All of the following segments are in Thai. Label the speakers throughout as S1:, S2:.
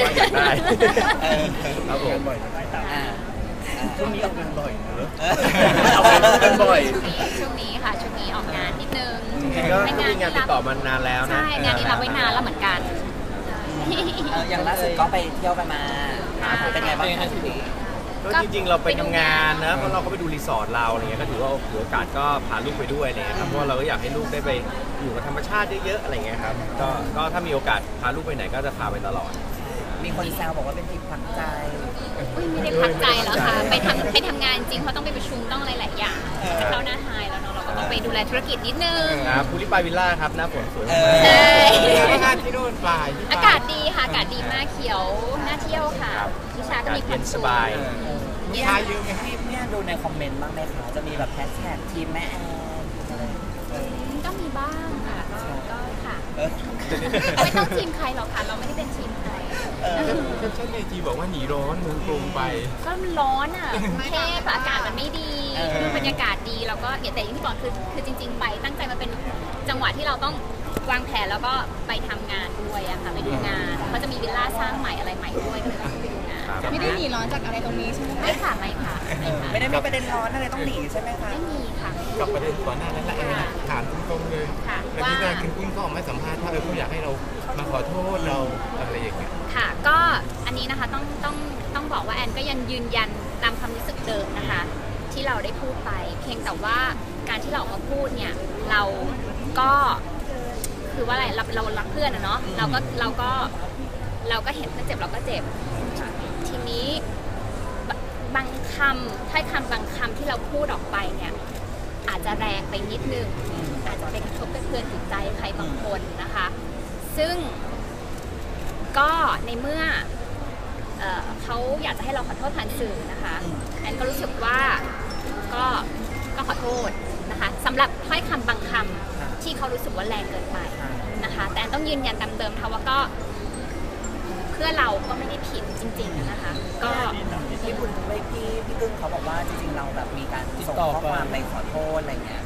S1: อยากได้ครับผม
S2: ช่วงนี้ออกงานบ่อยเนอะ
S1: ออกงานบ่อย
S3: ช่วงนี้ค่ะช่วงนี้ออกงานนิดนึง
S1: ก็มีงานติดต่อมานานแล้วนะ
S3: ใช่งานนี้รับไว้นานแล้วเหมือนกัน
S4: อย่างล่าสุดก็ไปเที่ยวกันมาเป็นไงบ้างคะทีนี้
S1: ก็จริงๆเราไปทำงานนะเพราะเราก็ไปดูรีสอร์ทเราอะไรเงี้ยก็ถือว่าโอกาสก็พาลูกไปด้วยอะไรเงี้ยครับเพราะเราก็อยากให้ลูกได้ไปอยู่กับธรรมชาติเยอะๆอะไรเงี้ยครับก็ถ้ามีโอกาสพาลูกไปไหนก็จะพาไปตลอด
S4: มีคนแซวบอกว่าเป็นทริปพักใจ
S3: ไม่ได้พักใจแล้วค่ะไปทำงานจริงเพราะต้องไปประชุมต้องอะไรหลายอย่างเข้าหน้าไฮแล้วเนาะเราก็ต้องไปดูแลธุรกิจนิดนึง
S1: ครับภูริปายวิลล่าครับหน้าฝนสวยมาก
S2: งานที่นู่นปลาย
S3: อากาศดีค่ะอากาศดีมากเขียวน่าเที่ยวค่ะวิชาก็มีความ
S1: สบาย
S2: มีชาเยอะไหม
S4: เนี่ยดูในคอมเมนต์บ้างไหมคะจะมีแบบแฮชแท็กทีมแม่แอน
S3: ก็มีบ้างค่ะก็ค่ะไม่ต้องทีมใครหรอกค่ะเราไม่ได้เป็นทีมใคร
S2: ก็เช่นในจีบอกว่าหนีร้อนเมืองกรุงไป
S3: ก็มันร้อนอ่ะแค่อากาศมันไม่ดีคือบรรยากาศดีแล้วก็แต่อย่างที่บอกคือจริงๆไปตั้งใจมาเป็นจังหวะที่เราต้องวางแผนแล้วก็ไปทำงานด้วยอะค่ะไปดูงานเขาจะมีวิลล่าสร้างใหม่อะไรใหม่ด้วยก็เลยต้องไปดูงาน
S5: ไม่ได้หนีร้อนจากอะไรตรงนี้ใช่ไหม
S3: ไม่ค่ะไม่ค่ะ
S4: ไม่ได้มีประเด็นร้อนอะไรต้องหนีใช่ไหมคะ
S3: ไม่มีค่ะ
S2: กับประเด็นก่อนหน้านั้นแหละถามตรงๆเลยแล้วที่นายคุณกุ้งก็ออกมาสัมภาษณ์ว่าเขาอยากให้เรามาขอโทษเราอะไรอย่างเงี้ย
S3: ค่ะก็อันนี้นะคะต้องบอกว่าแอนก็ยังยืนยันตามความรู้สึกเดิมนะคะที่เราได้พูดไปเพียงแต่ว่าการที่เราออกมาพูดเนี่ยเราก็คือว่าอะไรเรารักเพื่อนนะเนาะเราก็เห็นเพื่อนเจ็บเราก็เจ็บทีนี้บางคำถ้อยคำบางคำที่เราพูดออกไปเนี่ยอาจจะแรงไปนิดนึงอาจจะไปกระทบกระเทือนจิตใจใครบางคนนะคะซึ่งก็ในเมื่อเขาอยากจะให้เราขอโทษผ่านสื่อนะคะแอนก็รู้สึกว่าก็ขอโทษนะคะสำหรับถ้อยคำบางคำที่เขารู้สึกว่าแรงเกินไปนะคะแต่ต้องยืนยันตามเดิมค่ะว่าก็เพื่อเราก็ไม่ได้ผิดจริงๆนะคะก็
S4: พี่บุญไม่พี่กึ้งเขาบอกว่าจริงๆเราแบบมีการส่งข้อความไปขอโทษอะไรเงี้ย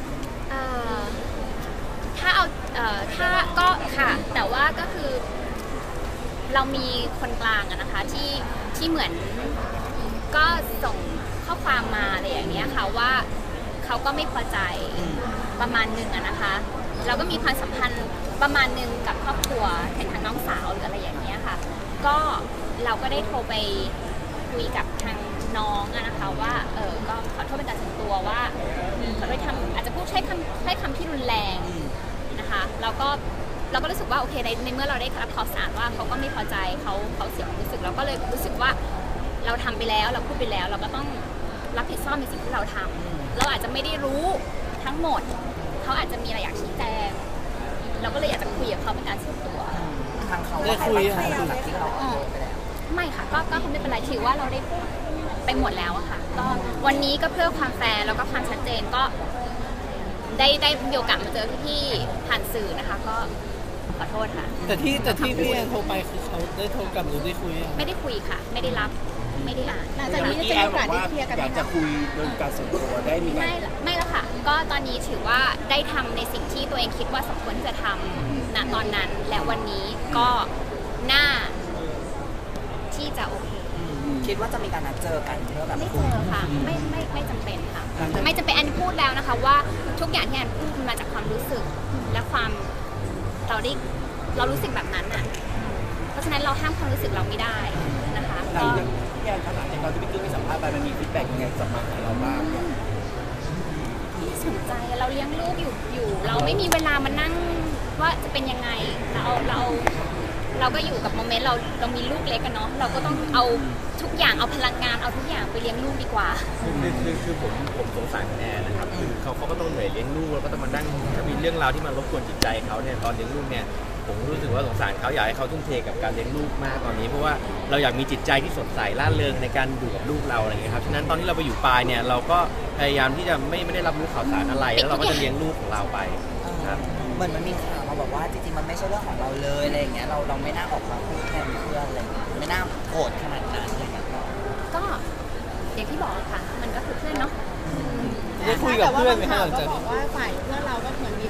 S3: ถ้าก็ค่ะแต่ว่าก็คือเรามีคนกลางอะนะคะที่เหมือนก็ส่งข้อความมาอะไรอย่างเงี้ยค่ะว่าเขาก็ไม่พอใจประมาณนึงอะนะคะเราก็มีความสัมพันธ์ประมาณนึงกับครอบครัวแทางน้องสาวหรืออะไรอย่างเงี้ยค่ะก็เราก็ได้โทรไปคุยกับทางน้องอะนะคะว่าก็ขอโทษเป็นการส่วนตัวว่าขอโทษอาจจะพูดใช้คำที่รุนแรงนะคะเราก็รู้สึกว่าโอเคในเมื่อเราได้รับข่าวสารว่าเขาก็ไม่พอใจเขาเสียความรู้สึกเราก็เลยรู้สึกว่าเราทำไปแล้วเราพูดไปแล้วเราก็ต้องรับผิดชอบในสิ่งที่เราทำเราอาจจะไม่ได้รู้ทั้งหมดเขาอาจจะมีอะไรอยากชี้แจงเราก็เลยอยากจะคุยกับเขาเป็นการส่วนตัว
S4: ทางเขาได้คุยกับที่เรา
S3: ไม่ค่ะก็ไม่เป็นไรถือว่าเราได้พูดไปหมดแล้วอะค่ะก็วันนี้ก็เพื่อความแฟร์แล้วก็ความชัดเจนก็ได้มีโอกาสมาเจอพี่ผ่านสื่อนะคะก็ขอโทษค่ะ
S5: แต่ที่พี่แอนโทรไปคือเขาได้โทรกลับหรือได้คุย
S3: ไม่ได้คุยค่ะไม่ได้รับไม่ได้อ่าน
S5: หลังจากนี้จะมีโอกาสได้เคลียร์กัน
S2: อยากจะคุยโดยการส่วนตัวได้มี
S3: ไม่แล้วค่ะก็ตอนนี้ถือว่าได้ทำในสิ่งที่ตัวเองคิดว่าสมควรที่จะทำณตอนนั้นและวันนี้ก็น่าที่จะโอเค
S4: คิดว่าจะมีการนัดเจอกันเพื่อแบบ
S3: ไม่เจอค่ะไม่จำเป็นค่ะไม่จำเป็นแอนพูดแล้วนะคะว่าทุกอย่างที่แอนพูดมาจากความรู้สึกและความเรารู้สึกแบบนั้นอ่ะเพราะฉะนั้นเราห้ามความรู้สึกเราไม่ได้นะคะ
S2: ก็พี่แอนขนาดในตอนที่พี่กึ้งไปสัมภาษณ์ไปมันมีฟีดแบ็กยังไงกลับมาหาเราบ้าง
S3: ไม่สนใจเราเลี้ยงลูกอยู่เราไม่มีเวลามานั่งว่าจะเป็นยังไงเราก็อยู่กับโมเมนต์เรามีลูกเล็กกันเนาะเราก็ต้องเอาทุกอย่างเอาพลังงานเอาทุกอย่างไปเลี้ยงลูกดีกว่า
S1: คือผมสงสารแอนนะครับคือเขาก็ต้องเหนื่อยเลี้ยงลูกแล้วก็ต้องมานั่งถ้ามีเรื่องราวที่มันรบกวนจิตใจเขาเนี่ยตอนเลี้ยงลูกเนี่ยผมรู้สึกว่าสงสารเขาอยากให้เขาทุ่มเทกับการเลี้ยงลูกมากตอนนี้เพราะว่าเราอยากมีจิตใจที่สดใสร่าเริงในการดูกับลูกเราอะไรเงี้ยครับฉะนั้นตอนที่เราไปอยู่ปลายเนี่ยเราก็พยายามที่จะไม่ได้รับรู้ข่าวสารอะไรแล้วเราก็จะเลี้ยงลูกของเราไปครับ
S4: เหมือนมันมีข่าวมาบอกว่าจริงๆมันไม่ใช่เรื่องของเราเลยอะไรอย่างเงี้ยเราไม่น่าออกมาพูดแทนเพื่อนอะไรเงี้ยไม่น่าโกรธขนาดนั้นอะไรเงี้ย
S3: ก็อย่างที่บอกค่ะมันก็คือเพื่อนเนาะ
S5: ได้คุยกับเพื่อนไหมคะหลังจากบอกว่าฝ่ายเพื่อนเราก็เหมือน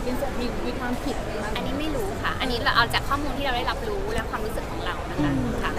S5: มีความผิด
S3: อันนี้ไม่รู้ค่ะอันนี้เราเอาจากข้อมูลที่เราได้รับรู้และความรู้สึกของเรานะคะค่ะ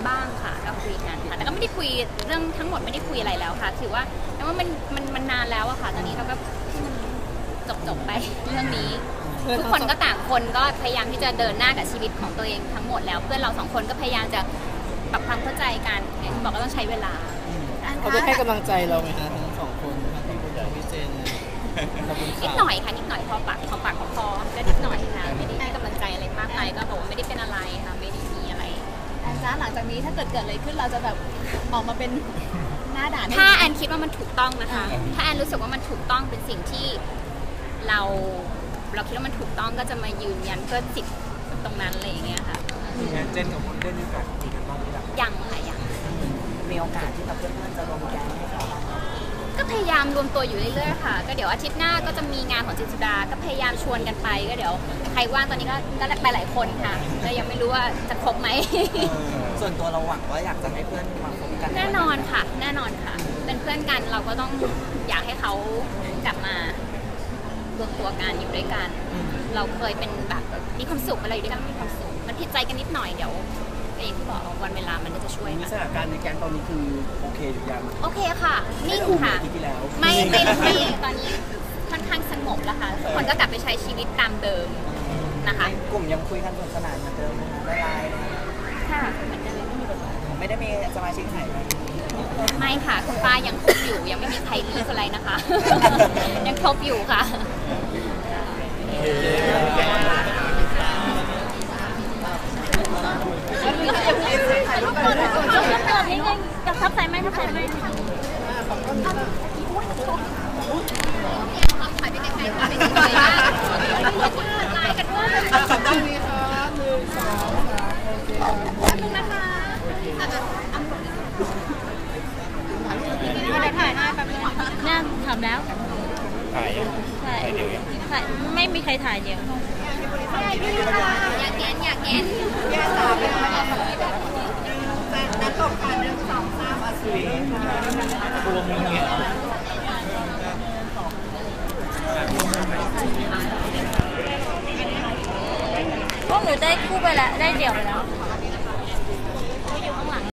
S3: บ้างค่ะก็คุยกันค่ะแต่ก็ไม่ได้คุยเรื่องทั้งหมดไม่ได้คุยอะไรแล้วค่ะถือว่าแต่ว่ามันนานแล้วอะค่ะตอนนี้เราก็จบไปเรื่องนี้ทุกคนก็ต่างคนก็พยายามที่จะเดินหน้ากับชีวิตของตัวเองทั้งหมดแล้วเพื่อนเรา2 คนก็พยายามจะปรับความเข้าใจกันอย่างที่บอกก็ต้องใช้เวลา
S5: เขาได้ให้กำลังใจเราไหมคะทั้งสองคนทั้งคุณกับพี่เจนขอบคุณ
S3: นิด
S5: ค่ะ
S3: หน่อยค่ะนิดหน่อยพอปากของพอก็นิดหน่อยค่ะไม่ได้ให้กำลังใจอะไรมากมายก็บอกว่าไม่ได้เป็นอะไรค่ะไม่ได้มีอะไร
S6: แอนจ้าหลังจากนี้ถ้าเกิดอะไรขึ้นเราจะแบบออกมาเป็นหน้าด่าน
S3: ถ้าแอนคิดว่ามันถูกต้องนะคะ ถ้าแอนรู้สึกว่ามันถูกต้องเป็นสิ่งที่เราคิดว่ามันถูกต้องก็จะมายืนยันเพื่อสิทธิ์ตรงนั้นอะไรอย่างเงี้ยค่ะ
S2: เจนกับคนได้มีโอกาสคุยกันบ้างไหมล่ะ
S3: ยังค่ะยัง
S4: มีโอกาสที่แบบเพื่อนๆจะรวมแก๊งให้เขาบ้างไหม
S3: ก็พยายามรวมตัวอยู่เรื่อยๆค่ะก็เดี๋ยวอาทิตย์หน้าก็จะมีงานของจิตรสุดาก็พยายามชวนกันไปก็เดี๋ยวใครว่างตอนนี้ก็ไปหลายคนค่ะก็ยังไม่รู้ว่าจะครบไหม
S4: ส่วนตัวเราหวังว่าอยากจะให้เพื่อนมาคบกัน
S3: แน่นอนค่ะ แน่นอนค่ะ เป็นเพื่อนกันเราก็ต้องอยากให้เขากลับมารวมตัวกันอยู่ด้วยกัน เราเคยเป็นแบบมีความสุขอะไรอยู่ด้วยกันมีความสุขมันผิดใจกันนิดหน่อยเดี๋ยวอย่างที่บอกวันเวลามันก็จะช่วย
S5: มี
S3: ค่ะ
S5: สถานการณ์ในแก๊งตอนนี้คือโอเคหรือยัง
S3: โอเคค่ะนิ่งค่ะ
S5: อาทิตย์ที่แล้ว
S3: ไม่ตอนนี้ค่อนข้างสงบแล้วค่ะทุกคนก็กลับไปใช้ชีวิตตามเดิมนะคะ
S4: กลุ่มยังคุยกันสนุกสนานเหมือนเดิมนะคะไลน์นะคะ
S3: ค่ะเหมือนเดิม
S4: ไม่ได้มีสมาชิกหายไป
S3: ไม่ค่ะคุณป้ายังครบอยู่ยังไม่มีใครลีกอะไรนะคะ ยังครบอยู่ค่ะ ถ่ายรูปก่อนนี่ไงกับทับใส่ไหมทับใส่ไหมถ่ายไปไกลๆถ่ายไปไกลๆถ่ายกันด้วยต้องมีค่ะ1 2 3โอเคแป๊บนึงนะคะถ่ายให้แป๊บนึงเนี่ยทำแล้ว
S2: ถ่ายยังถ่ายเดียวยัง
S3: ถ่ายไม่มีใครถ่ายเดียวอยากเก็นอยากเก็นนัดตบกัน1 2 3อาชีพ
S2: รวมมึงเนี่ย
S3: พวกหนูได้คู่ไปแล้วได้เดี่ยวไปแล้ว